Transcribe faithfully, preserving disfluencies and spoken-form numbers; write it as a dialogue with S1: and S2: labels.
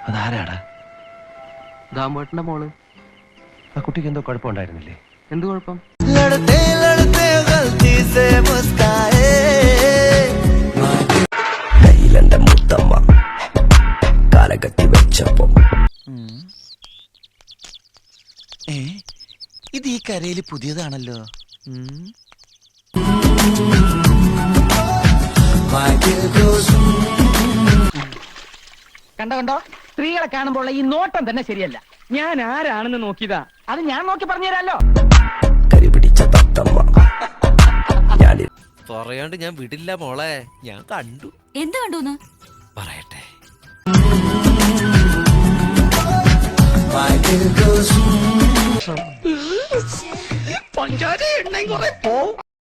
S1: അതാരാടാ?
S2: ദാമോട്ടന്റെ മോള്.
S1: ആ കുട്ടിക്ക് എന്തോ കുഴപ്പമുണ്ടായിരുന്നില്ലേ?
S2: എന്ത് കുഴപ്പം?
S3: കയ്യിലെന്റെ മുത്തമ്മ കാലകത്തി വെച്ചപ്പോ
S4: ഇത് ഈ കരയില് പുതിയതാണല്ലോ.
S5: കണ്ടോ കണ്ടോ, സ്ത്രീകളെ കാണുമ്പോൾ ഈ നോട്ടം തന്നെ ശരിയല്ല. ഞാൻ ആരാണെന്ന് നോക്കിയതാ, അത് ഞാൻ നോക്കി പറഞ്ഞുതരാലോ.
S3: കരി പിടിച്ച തത്തമ്മ ഞാൻ
S6: പറയാണ്ട് ഞാൻ വിടില്ല മോളെ. ഞാൻ കണ്ടു.
S7: എന്ത് കണ്ടു
S6: പറയട്ടെ.
S5: പഞ്ചാര എണ്ണയും കുറെ പോ